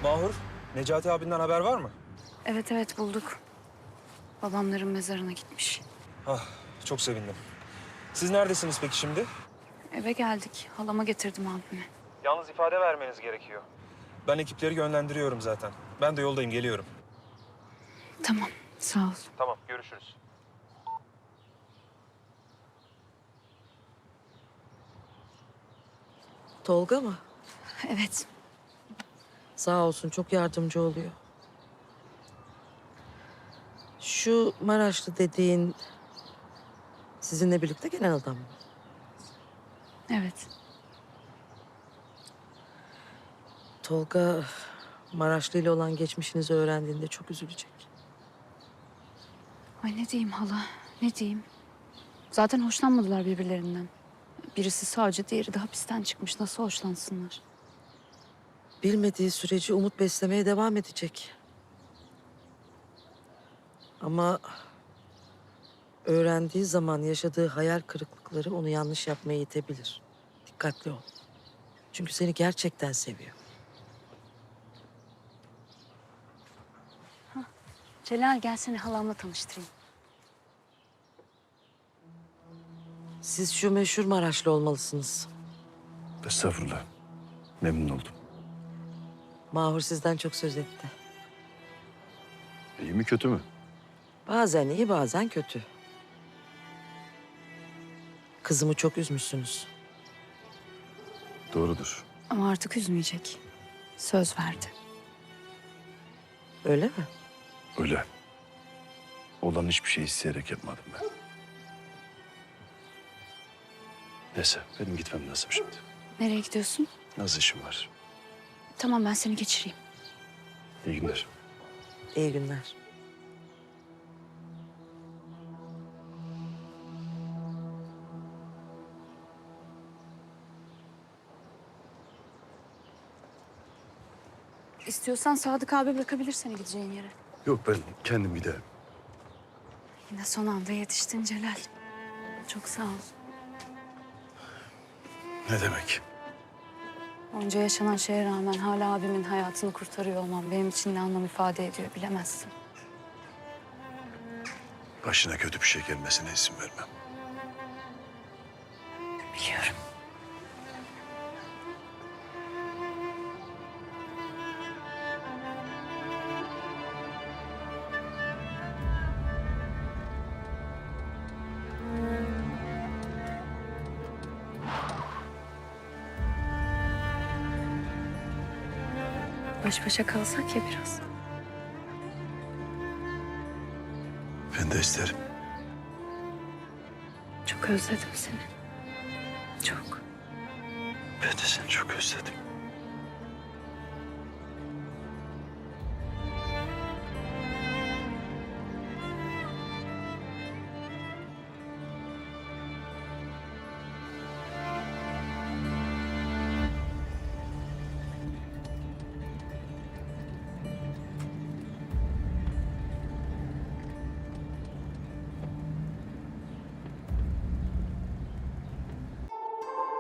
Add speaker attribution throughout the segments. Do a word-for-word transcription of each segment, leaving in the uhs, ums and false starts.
Speaker 1: Mahur, Necati abinden haber var mı?
Speaker 2: Evet evet bulduk. Babamların mezarına gitmiş.
Speaker 1: Ah, çok sevindim. Siz neredesiniz peki şimdi?
Speaker 2: Eve geldik. Halama getirdim abimi.
Speaker 1: Yalnız ifade vermeniz gerekiyor. Ben ekipleri yönlendiriyorum zaten. Ben de yoldayım, geliyorum.
Speaker 2: Tamam sağ ol.
Speaker 1: Tamam, görüşürüz.
Speaker 3: Tolga mı?
Speaker 2: Evet.
Speaker 3: Sağ olsun, çok yardımcı oluyor. Şu Maraşlı dediğin sizinle birlikte gelen adam mı?
Speaker 2: Evet.
Speaker 3: Tolga Maraşlı ile olan geçmişinizi öğrendiğinde çok üzülecek.
Speaker 2: Ay ne diyeyim hala ne diyeyim. Zaten hoşlanmadılar birbirlerinden. Birisi savcı diğeri de hapisten çıkmış. Nasıl hoşlansınlar?
Speaker 3: Bilmediği sürece umut beslemeye devam edecek. Ama öğrendiği zaman yaşadığı hayal kırıklıkları onu yanlış yapmaya itebilir. Dikkatli ol. Çünkü seni gerçekten seviyor.
Speaker 2: Celal gel seni halamla tanıştırayım.
Speaker 3: Siz şu meşhur Maraşlı olmalısınız.
Speaker 4: Estağfurullah. Memnun oldum.
Speaker 3: Mahur sizden çok söz etti.
Speaker 4: İyi mi kötü mü?
Speaker 3: Bazen iyi, bazen kötü. Kızımı çok üzmüşsünüz.
Speaker 4: Doğrudur.
Speaker 2: Ama artık üzmeyecek. Söz verdi.
Speaker 3: Öyle mi?
Speaker 4: Öyle. Olan hiçbir şey isteyerek yapmadım ben. Neyse benim gitmem lazım şimdi.
Speaker 2: Nereye gidiyorsun?
Speaker 4: Az işim var.
Speaker 2: Tamam ben seni geçireyim.
Speaker 4: İyi günler.
Speaker 3: İyi günler.
Speaker 2: İstiyorsan Sadık abi bırakabilir seni gideceğin yere.
Speaker 4: Yok ben kendim giderim.
Speaker 2: Yine son anda yetiştin Celal. Çok sağ ol.
Speaker 4: Ne demek?
Speaker 2: Onca yaşanan şeye rağmen hala abimin hayatını kurtarıyor olmam benim için ne anlam ifade ediyor bilemezsin.
Speaker 4: Başına kötü bir şey gelmesine izin vermem.
Speaker 2: Biliyorum. Baş başa kalsak ya biraz.
Speaker 4: Ben de isterim.
Speaker 2: Çok özledim seni. Çok.
Speaker 4: Ben de seni çok özledim.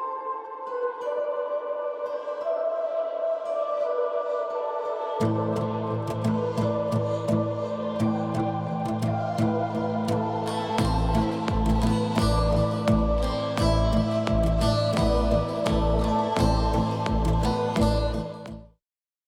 Speaker 1: Thank you.